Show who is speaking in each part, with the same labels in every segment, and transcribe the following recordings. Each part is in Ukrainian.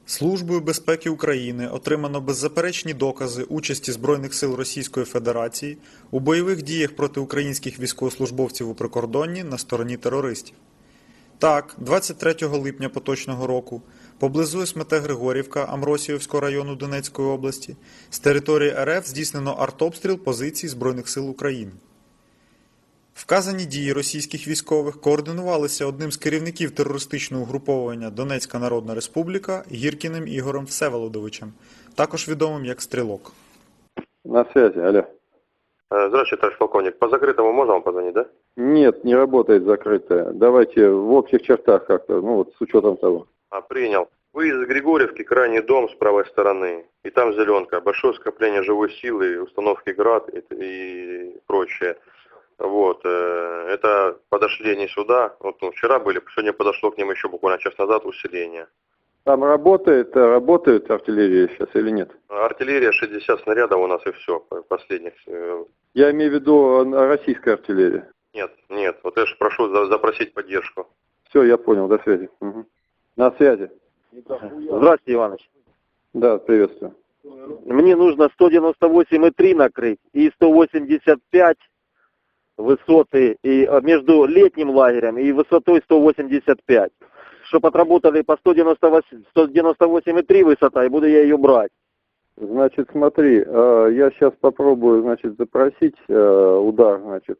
Speaker 1: Службою безпеки України отримано беззаперечні докази участі Збройних сил Російської Федерації у бойових діях проти українських військовослужбовців у прикордонні на стороні терористів. Так, 23 липня поточного року поблизу Смете-Григорівка Амросіївського району Донецької області з території РФ здійснено артобстріл позицій Збройних сил України. Вказані дії російських військових координувалися одним з керівників терористичного угруповання Донецька Народна Республіка Гіркіним Ігорем Всеволодовичем, також відомим як Стрелок.
Speaker 2: На связи, алло.
Speaker 3: Здравствуйте, товарищ полковник. По закрытому можно вам позвонить, да?
Speaker 2: Нет, не работает закрытая. Давайте в общих чертах как-то, ну вот с учетом того.
Speaker 3: Принял. Выезд из Григорьевки, крайний дом с правой стороны. И там зеленка. Большое скопление живой силы, установки ГРАД и прочее. Вот. Это подошли они сюда. Вот, вчера были, сегодня подошло к ним еще буквально час назад усиление.
Speaker 2: Там работает артиллерия сейчас или нет?
Speaker 3: Артиллерия 60 снарядов у нас и все, последних.
Speaker 2: Я имею в виду российская артиллерия.
Speaker 3: Нет. Вот я же прошу запросить поддержку.
Speaker 2: Все, я понял, до связи. Угу. На связи.
Speaker 4: Здравствуйте, Иваныч.
Speaker 2: Да, приветствую.
Speaker 4: Мне нужно 198,3 накрыть и 185 высоты и между летним лагерем и высотой 185. Чтобы отработали по 198,3 высота, и буду я ее брать.
Speaker 2: Значит, смотри, я сейчас попробую, значит, запросить удар, значит,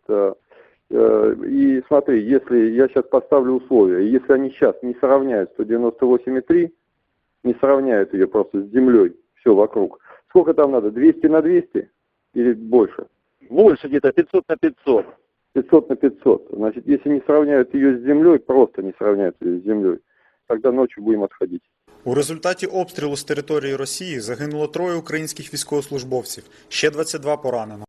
Speaker 2: и смотри, если я сейчас поставлю условия, если они сейчас не сравняют 198,3, не сравняют ее просто с землей, все вокруг, сколько там надо, 200 на 200 или больше?
Speaker 4: Больше где-то, 500 на 500.
Speaker 2: 500 на 500. Значит, если не сравняют ее с землей, просто не сравняют ее с землей, тогда ночью будем отходить.
Speaker 1: У результаті обстрілу з території Росії загинуло 3 українських військовослужбовців, ще 22 поранено.